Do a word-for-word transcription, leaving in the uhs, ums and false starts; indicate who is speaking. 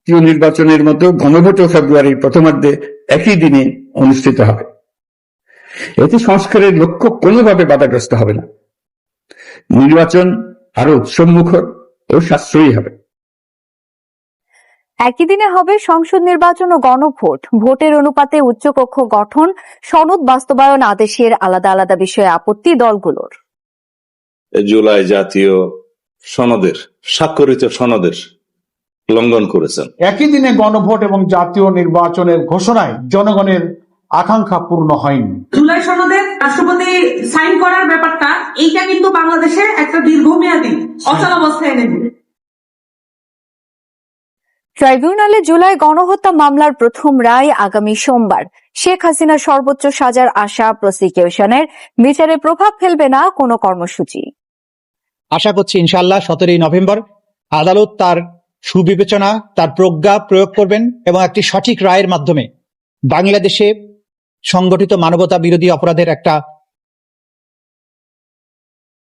Speaker 1: জাতীয় নির্বাচনের মতো গণভোটও ফেব্রুয়ারির প্রথমার্ধে একই দিনে অনুষ্ঠিত হবে। এতে সংস্কারের লক্ষ্য কোনোভাবে বাধাগ্রস্ত হবে না। নির্বাচন আরো উৎসবমুখর ও সাশ্রয়ী হবে।
Speaker 2: একই দিনে হবে সংসদ নির্বাচন ও গণভোট। ভোটের অনুপাতে উচ্চকক্ষ গঠন, সনদ বাস্তবায়ন আদেশের আলাদা আলাদা বিষয়ে আপত্তি দলগুলোর।
Speaker 3: জুলাই জাতীয় সনদের স্বাক্ষরিত সনদের লঙ্ঘন করেছেন।
Speaker 4: একই দিনে গণভোট এবং জাতীয় নির্বাচনের ঘোষণায় জনগণের আকাঙ্ক্ষা পূর্ণ হয়নি।
Speaker 5: জুলাই সনদে রাষ্ট্রপতি সাইন করার ব্যাপারটা এইটা কিন্তু বাংলাদেশে একটা দীর্ঘমেয়াদী অচলাবস্থায় এনে দিবে।
Speaker 2: ট্রাইব্যুনালে জুলাই গণহত্যা মামলার প্রথম রায় আগামী সোমবার। শেখ হাসিনার সর্বোচ্চ সাজার আশা প্রসিকিউশনের, বিচারে প্রভাব ফেলবে না কোনো কর্মসূচি।
Speaker 6: আশা করছি ইনশাআল্লাহ সতেরোই নভেম্বর আদালত তার সুবিবেচনা, তার প্রজ্ঞা প্রয়োগ করবেন এবং একটি সঠিক রায়ের মাধ্যমে বাংলাদেশে সংগঠিত মানবতা বিরোধী অপরাধের একটা